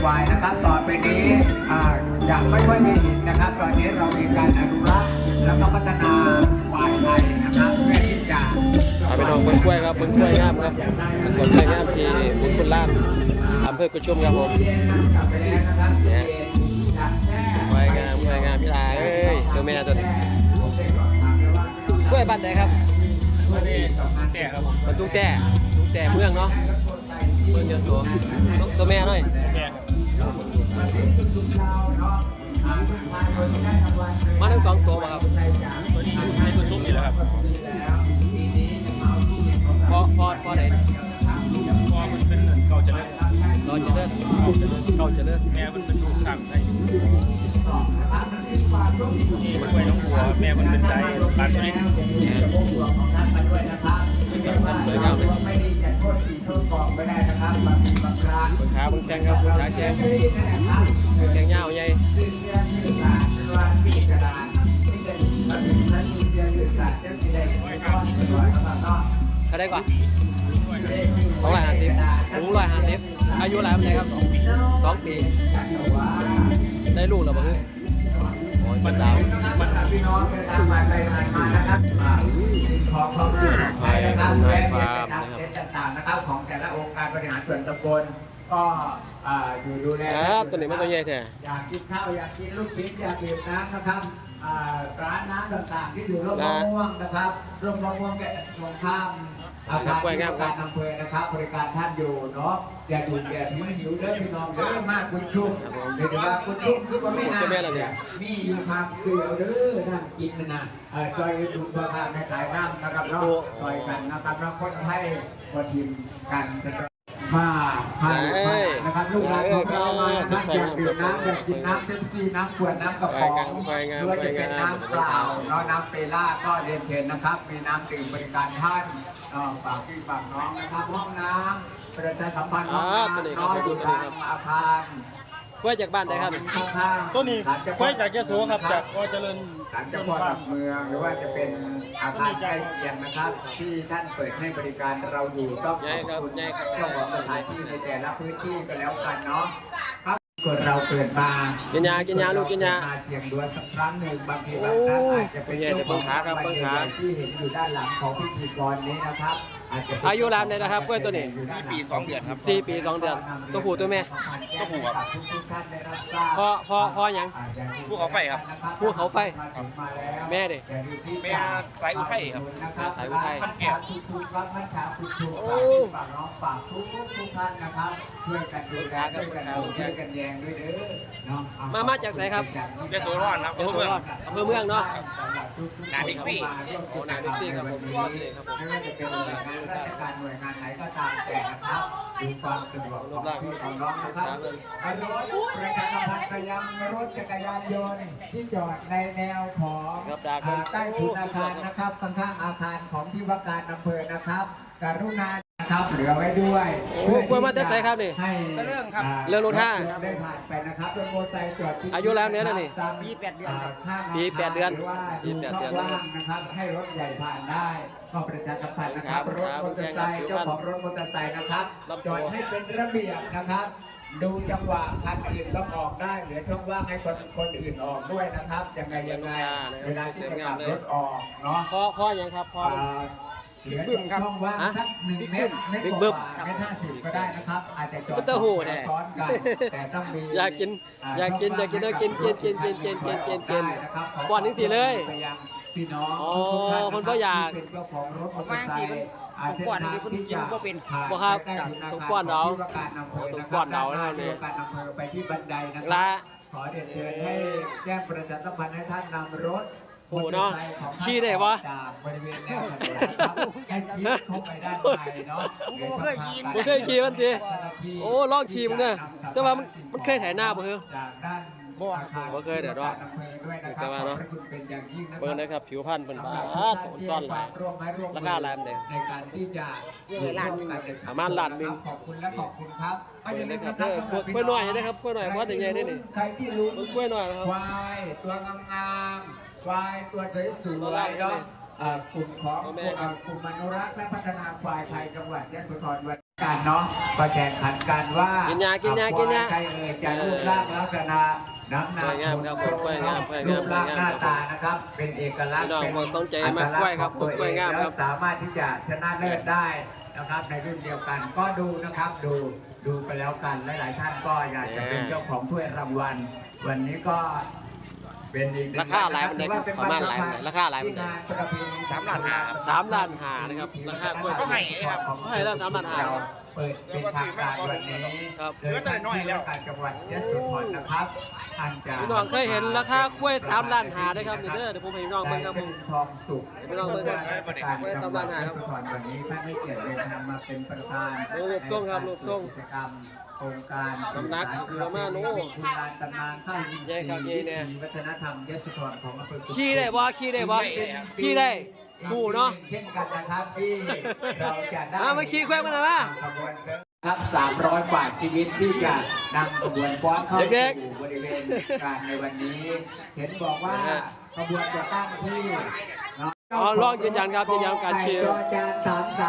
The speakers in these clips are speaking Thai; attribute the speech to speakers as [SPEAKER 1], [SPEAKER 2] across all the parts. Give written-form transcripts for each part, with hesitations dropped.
[SPEAKER 1] ควายนะครับต่อไปนี้จะไม่ค่อยมีหินนะครับตอนนี้เรามีการอนุรักษ์แล้วก็พัฒนาควายไทยนะครับเพื่อที่จะ
[SPEAKER 2] ไปน้องเบิ้งกล้วยครับเบิ้งกล้วยงามครับมันกดกล้วยงามที่บุญคุณล้านอำเภอกุชุมครับผมเนี่ยกล้วยงามพี่ลาเอ้ยตัวแม่ตัวนี้กล้วยบ้านไหนครับ
[SPEAKER 3] แต่ครับผม
[SPEAKER 2] ตุ้งแต่เมืองเนาะเมืองเดียวสวตัวแม่หน่อยมาทั้ง2ตัวป่ะครับ
[SPEAKER 3] ตัวนี้ในตัวซุ้มนี่แหละครับ
[SPEAKER 2] พอไหน
[SPEAKER 3] พอมันเป็นเก่าเจริญ
[SPEAKER 2] เก่าเจริญ
[SPEAKER 3] แม่มันเป็นลูกสั่งไทยนี่มันไว้น้องบัวแม่มันเป็นใจปานสุรินทร์
[SPEAKER 2] สวยงามเลยขาบางแข้งครับขาแข้งยาวใหญ่เขาได้กว่า250อายุหลายปีครับ2 ปีได้ลูกแล้วบ่คือ
[SPEAKER 1] มันสาวมันพี่น้องเป็นทางมาไปมานะครับของไทยนะครับแวะไปตามเส้นต่างๆนะครับของแต่ละองค์การบริหารส่วนตำบลก็อยู่ดูแล
[SPEAKER 2] ตัวนี้มันตัวใหญ่แท้
[SPEAKER 1] อยากกินข้าวอยากกินลูกชิ้นอยากดื่มน้ำนะครับร้านน้ำต่างๆที่อยู่ร่มมะม่วงนะครับร่มมะม่วงแกตรงข้ามอาคารที่การอำเภอนะครับบริการท่านอยู่เนาะอย่าดูอย่าหิวเด้อพี่น้องเด้อมากคุณชุ่มเดี๋ยวว่าคุณชุ่มคือว่าไม่นานมีอยู่ทางคือเอาเด้อนั่งกินนะซอยดูพ่อค้าแม่ขายน้ำนะครับเนาะซอยกันนะครับแล้วคนให้คนทีมกันมานะครับลูกหลานของเรามาท่านอยากดื่มน้ำอยากกินน้ำเต็มซีน้ำขวดน้ำกระป๋องหรือว่าจะเป็นน้ำเปล่าเนาะน้ำเปล่าก็เรียนเชิญนะครับมีน้ำดื่มบริการท่านฝากพี่ฝากน้องนะครับห้องน้ำประชาสัมพันธ์ห้องน้ำน้อยอยู่ทางอาคาร
[SPEAKER 2] กล้วยจากบ้านไหนครับ
[SPEAKER 3] ต้นนี้กล้วยจากยโสครับจากเจริญ
[SPEAKER 1] ศาลเจ้าพ่อหลักเมืองหรือว่าจะเป็นอาคารใกล้เคียงนะครับที่ท่านเปิดให้บริการเราอยู่ต้องขอบคุณเจ้าของสถานที่ในแต่ละพื้นที่ก็แล้วกันเนาะครับเราเกิดมา
[SPEAKER 2] กินยาลูกกินยา
[SPEAKER 1] เสียงดวงสักครั้งหนึ่งบางทีบางท่านอาจจะเป็นเจ้าของขาที่เห็นอยู่ด้านหลังของพิธีกรนี้นะครับ
[SPEAKER 2] อายุรามเลยนะครับกล้วยตัวนี้
[SPEAKER 3] 4 ปี 2 เดือนครับ
[SPEAKER 2] 4 ปี 2 เดือนตัวผู้ตัวแม่
[SPEAKER 3] ตัวผู้ครับ
[SPEAKER 2] พ่อยัง
[SPEAKER 3] ผู้เขาไฟครับ
[SPEAKER 2] ผู้เขาไฟแม่ดิ
[SPEAKER 3] แม่สายอุทัยครับ
[SPEAKER 2] สายอุทัย
[SPEAKER 3] ขั้นแก้ว
[SPEAKER 1] โอ้ฝากน้องฝากทุกท่านนะครับช่วยกันดูแลช่วยกันแยงด้วยเด้อ
[SPEAKER 2] มาจากไสครับ
[SPEAKER 3] ยโสธรครับอำเภอเ
[SPEAKER 2] มืองเนาะ
[SPEAKER 3] นาบิ๊กซี่
[SPEAKER 2] นาบิ๊กซี่ครับผม
[SPEAKER 1] ไม่ว่าจะเป็นหน่วยงานราชการหน่วยงานไหนก็ตามแต่นะครับดูความสะดวกของพี่ของน้องนะครับรถประชาสัมพันธ์ไปยังรถจักรยานยนต์ที่จอดในแนวของใต้ถุนอาคารนะครับข้างๆอาคารของที่ว่าการอำเภอนะครับกรุณาครับเหลือไว้ด้วย
[SPEAKER 2] กล้วยมาแต่ไสครับนี่
[SPEAKER 1] ให้
[SPEAKER 3] เรื่องครับ
[SPEAKER 2] เรื่องรถท่า
[SPEAKER 1] ได้ผ่านไปนะครับรถมอเตอร์ไซค์จอด
[SPEAKER 2] อายุแล้วเนี้ยนี่
[SPEAKER 3] ปี 8 เดือน
[SPEAKER 2] ปี 8 เดือน
[SPEAKER 1] นะครับให้รถใหญ่ผ่านได้ก็ประชาสัมพันธ์นะครับรถมอเตอร์ไซค์เจ้าของรถมอเตอร์ไซค์นะครับจอดให้เป็นระเบียบนะครับดูจังหวะคันอื่นต้องออกได้เหลือช่องว่างให้คนอื่นออกด้วยนะครับยังไงเวลาที่จะขับรถออกเนาะ
[SPEAKER 2] พ่อยังครับพ่อ
[SPEAKER 1] เหลือช่องว่างสัก1 เมตรไม่กว่าเมตร 50ก็ได้นะครับอาจจะจอดซ้อนกันแต่ต้องมี
[SPEAKER 2] อยากกินต้องกินก่อนถึง4เลย
[SPEAKER 1] พี่น้อง
[SPEAKER 2] คนก็อยาก
[SPEAKER 1] เป็นเจ้าของรถมอเตอร์ไซค์
[SPEAKER 3] ทุกวันที่คุณกินก็เป็น
[SPEAKER 2] บ่ครับทุกก้อนเราทุกก้อนเรา
[SPEAKER 1] นะครับที่การอำเภอไปที่บันไดนะครับขอเรียนเชิญให้แจ้งประชาสัมพันธ์ให้ท่านนำรถ
[SPEAKER 2] โอ้เนาะขี่ได้ปะ
[SPEAKER 1] จากบริเวณแนวถนนนะครับให้ขี่เข้าไปด้านในเนาะ
[SPEAKER 3] ผมเคย
[SPEAKER 2] ขี่มันทีโอ้ลองขี่มันเนี่ยแต่ว่ามันเคยถ่ายหน้าบ่เหรอ
[SPEAKER 1] จากด้าน
[SPEAKER 2] บ่เคยเดี๋ยวรอแต่ว่าเนาะเบิ่งนะครับผิวพรรณเป็นบ้าซ่อนหลายราคาแรงเลย
[SPEAKER 1] ในการที่จะ
[SPEAKER 2] ประมาณล้านนึง
[SPEAKER 1] ขอบคุณและขอบคุณครับ
[SPEAKER 2] เป็นเลยครับกล้วยหน่อยนะครับกล้วยหน่อยเพราะใหญ่ๆนี่
[SPEAKER 1] ใครที่รู้
[SPEAKER 2] กล้วยหน่อยครับ
[SPEAKER 1] ควายตัวงามควายตัวสวยๆเนาะกลุ่มของกลุ่มอนุรักษ์และพัฒนาควายไทยจังหวัดยะโสธรการเนาะก็แข่งขันกันว่า
[SPEAKER 2] กิ
[SPEAKER 1] กิ
[SPEAKER 2] นยา
[SPEAKER 1] ใครจะรูปร่างลักษณะน้ำหนัก
[SPEAKER 2] สวยงามครับผมสวยงามสวยงาม
[SPEAKER 1] รูปร่างหน้า
[SPEAKER 2] สวยงาม
[SPEAKER 1] ตานะครับเป็นเอกลักษณ์
[SPEAKER 2] พี่น้อง
[SPEAKER 1] เป็น
[SPEAKER 2] บอกสนใจมากกล้วยครับ
[SPEAKER 1] อัตลักษณ์ของตัว
[SPEAKER 2] กล้วยงาม
[SPEAKER 1] เอ
[SPEAKER 2] ครับ
[SPEAKER 1] แล้วสามารถที่จะชนะเลิศได้นะครับในรุ่นเดียวกันก็ดูนะครับดูไปแล้วกันหลายๆท่านก็อยากจะเป็นเจ้าของถ้วยรางวัลวันนี้ก็เป็นอีกหนึ่ง
[SPEAKER 2] ราคาหลายมันได้ครับประมาณหลายมันได้ราคาหลายมันได้
[SPEAKER 1] ที่งานประเพณี
[SPEAKER 3] 3 ล้านห้าครับ
[SPEAKER 2] 3 ล้านห้านะครับราคากล้วย
[SPEAKER 3] ก็ให้ครับ
[SPEAKER 2] ก็ให้แล้ว3 ล้านห้า
[SPEAKER 1] เราเปิดเป็นทางการวันนี้
[SPEAKER 2] ครับ
[SPEAKER 1] โดยท่านผู้ว่าการจังหวัดยโสธรนะครับท่านจะ
[SPEAKER 2] พี่น้องเคยเห็นราคากล้วย3 ล้านห้าด้วยครับเดี๋ยวผมให้พี่น้องเบิ่งครับผม
[SPEAKER 1] ทองสุข
[SPEAKER 2] พี่น้องเบิ่งครับ
[SPEAKER 1] การจังหวัดยโสธรวันนี้ท่านให้เกียรติเดินทางมาเป็นประธาน
[SPEAKER 2] รูปทรงครับรูปทรง
[SPEAKER 1] กิจกรรมโครงการ
[SPEAKER 2] น้ำหนักประมาณโอ้
[SPEAKER 1] คุณลานตำนานข้าวยิน
[SPEAKER 2] ใหญ่ครับใหญ่แน่
[SPEAKER 1] วัฒนธรรมยโสธรของอำเภอกุด
[SPEAKER 2] ขี่ได้บ่ขี่ได้ดูเนาะ
[SPEAKER 1] เช่นกันนะครับที่เราจะได้
[SPEAKER 2] มาขี่แควงมาหน่อยมา
[SPEAKER 1] ขบวนครับ300กว่าชีวิตที่จะนำขบวนฟ้อนเข้า
[SPEAKER 2] เด็ก
[SPEAKER 1] สู่บริเวณการในวันนี้ เห็นบอกว่าขบวนจะตั้งที่เนาะ
[SPEAKER 2] อ๋อลองยืนยันครับยืนยันการเชียร์
[SPEAKER 1] จอจาน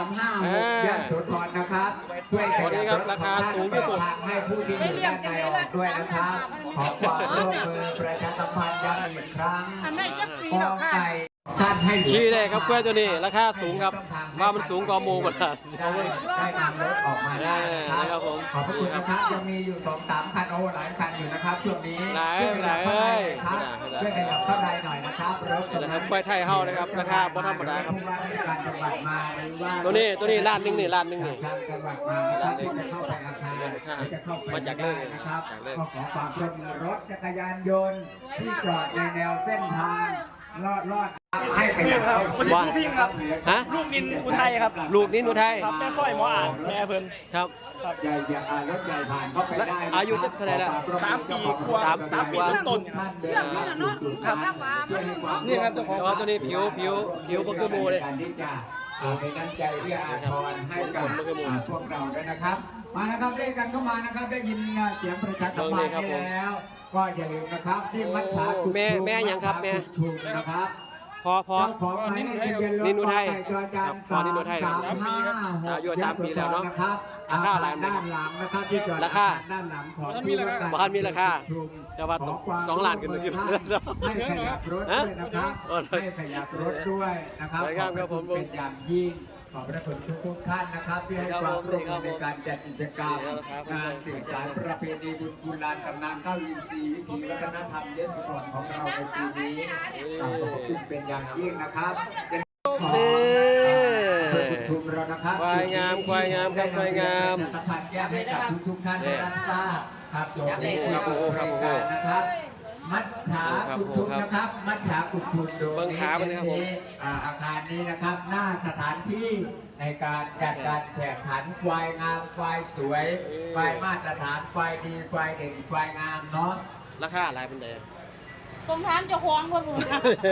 [SPEAKER 1] 3356ยโสธรนะครับช่วย
[SPEAKER 2] วันนี้ครับราคาสูงที่สุด
[SPEAKER 1] ทางให้ผู้ที่อยู่ด้านในออกด้วยนะครับขอความร่วมมือประชาสัมพันธ์ย้ำอีกครั้ง
[SPEAKER 4] ทำได้จักปี
[SPEAKER 1] ก
[SPEAKER 4] หร
[SPEAKER 1] อ
[SPEAKER 4] อกค่ะ
[SPEAKER 1] ไก่ท่านให้เหลือ
[SPEAKER 2] ขี่ได้ครับกล้วยตัวนี้ราคาสูงครับว่ามันสูงกว่าหมูหมดครับ
[SPEAKER 1] ได้นำรถออกมาได้
[SPEAKER 2] นะครับผม
[SPEAKER 1] ขอบพระคุณนะครับยังมีอยู่2-3 คันโอ้หลายคันอยู่นะครับช่วงนี้
[SPEAKER 2] หลาย
[SPEAKER 1] ช่วยขยับเข้าในหน่อยครับ
[SPEAKER 2] หลาย
[SPEAKER 1] ช่วยขยับเข้าในหน่อยนะครับรถ
[SPEAKER 2] นะครับกล้วยไทยเฮานะครับราคาบ่ธรรมดาครับ
[SPEAKER 1] ผู้ว่าราชการจังหวัดมาหรือว่า
[SPEAKER 2] ตัวนี้ล้านหนึ่งนี่ล้านหนึ่งนี่
[SPEAKER 1] ทางจังหวัดมานะครับที่จะเข้าไปอาคารจะเข้าไป
[SPEAKER 2] มาจากเรื่อง
[SPEAKER 1] ได้นะครับ
[SPEAKER 2] จากเรื่อง
[SPEAKER 1] ก็ขอความร่วมมือรถจักรยานยนต์ที่จอดในแนวเส้นทางลอดให้ขยับเข้า
[SPEAKER 2] ว่า
[SPEAKER 3] ลูกพิงครับ
[SPEAKER 2] ฮะ
[SPEAKER 3] ลูกนินอุทัยครับ
[SPEAKER 2] ลูกนี้หนูไทย
[SPEAKER 3] ครับแม่สร้อยหมออ่านแม่เพิ่น
[SPEAKER 2] ครับ
[SPEAKER 1] ใหญ่รถใหญ่ผ่านเข้าไปได้
[SPEAKER 2] แล้วอายุเท่าไหร่แล้ว
[SPEAKER 3] 3 ปีกว่า
[SPEAKER 2] สาม
[SPEAKER 3] ปี
[SPEAKER 2] กว่า
[SPEAKER 3] ต้นๆครับ
[SPEAKER 1] เรื่องนี้นะเนาะครับ
[SPEAKER 3] นี่ครับเจ้าของ
[SPEAKER 2] แต่ว่าตัวนี้ผิวบ่คือหมูเลย
[SPEAKER 1] การที่จะเป็นน้ำใจเรียอาทรให้กับพวกเราด้วยนะครับ มานะครับด้วยกันเข้ามานะครับได้ยินเสียงประชาสัมพันธ์ไปแล้ว ก็อย่าลืมนะครับที่มัดขากุด
[SPEAKER 2] แม่ยังครับแม่
[SPEAKER 1] ชุมนะครับ
[SPEAKER 2] พอ
[SPEAKER 1] เจ้าของหมายเลขทะเบียนรถ
[SPEAKER 2] นินอุทัย
[SPEAKER 1] จอจาน
[SPEAKER 2] ครับพอนินอุทัยครับ
[SPEAKER 1] 335
[SPEAKER 2] อายุ3 ปีแล้วเนาะ
[SPEAKER 1] นะครับ
[SPEAKER 2] ราคาอะไร
[SPEAKER 1] ด้านหลังนะครับที่จอด
[SPEAKER 2] ราคา
[SPEAKER 1] ด้านหลังของที่ว่าการ
[SPEAKER 2] บ่ทันมีราคา
[SPEAKER 1] ชุม
[SPEAKER 2] แต่ว่า
[SPEAKER 1] ขอความ
[SPEAKER 2] 2 ล้านขึ้นมาขึ้น
[SPEAKER 1] ให้ขยับรถด้วยนะครับ
[SPEAKER 2] ฮะ
[SPEAKER 1] ให้ขยับรถด้วยนะครับ
[SPEAKER 2] สวยงามครับผม
[SPEAKER 1] เป็นอย่างยิ่งขอบพระคุณทุกท่านนะครับที่ให้ความร่วมมือในการจัดกิจกรรม
[SPEAKER 2] ครับ
[SPEAKER 1] งานสืบสานประเพณีบุญกุลานตำนานข้าวอินทรีย์วิถีวัฒนธรรมยโสธรของเราในปีนี้ขอบพระคุณเป็นอย่างยิ่งนะครับเป็นขอ
[SPEAKER 2] นี่
[SPEAKER 1] คุณทุมเรานะครับ
[SPEAKER 2] ควายงามควายงามครับควายงาม
[SPEAKER 1] จะสัมผัสแยกให้กับทุกท่านได้รับทราบครับโดยใน
[SPEAKER 2] ครับผมครับผม
[SPEAKER 1] รายการนะครับ มัดขากุดทุนนะครับ มัดขากุดทุนโดย
[SPEAKER 2] เบิ่งขามันนะครับผม
[SPEAKER 1] อาคารนี้นะครับ หน้าสถานที่ในการจัดการแข่งขันควายงามควายสวยควายมาตรฐานควายดีควายเด่นควายงามเนาะ
[SPEAKER 2] ราคาอะไรเป็นไง
[SPEAKER 4] ตรงทางเจ้าของคนบุญ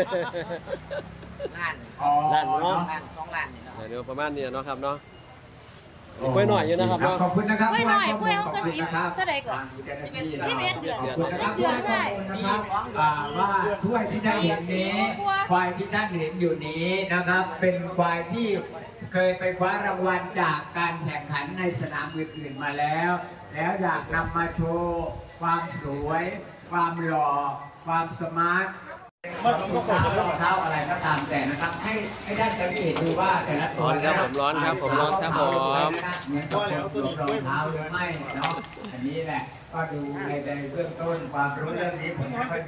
[SPEAKER 1] อ๋อ
[SPEAKER 2] ล้านเนาะ
[SPEAKER 1] ล้าน
[SPEAKER 2] เดี๋ยวประมาณนี้เนาะครับเนาะกล้วยหน่อยอยู่นะครับเนาะ
[SPEAKER 1] ขอบคุณนะครับ
[SPEAKER 4] กล้วยหน่อย
[SPEAKER 1] ขบคุณ
[SPEAKER 4] กล้วยเขาก็
[SPEAKER 1] ขอบคุณนะครับ
[SPEAKER 4] เท่าใดก่อน 11 เดือน
[SPEAKER 1] ขอบคุณนะครับ
[SPEAKER 4] เดือนใช่
[SPEAKER 1] นะครับว่าถ้วยที่ท่านเห็นนี้ควายที่ท่านเห็นอยู่นี้นะครับ เป็นควายที่เคยไปคว้ารางวัลจากการแข่งขันในสนามอื่นๆมาแล้ว แล้วอยากนำมาโชว์ความสวย ความหล่อความสมาร์ทรองเท้าอะไรก็ตามแต่นะครับ ให้ได้สังเกตดูว่าแต่ละตัว
[SPEAKER 2] ร้อนครับผมร้อนครับผม
[SPEAKER 1] เหมือนกับคนสวมรองเท้าหรือไม่เนาะอันนี้แหละก็ดูในเบื้องต้นความรู้เรื่องนี้ผมไม่ค่อย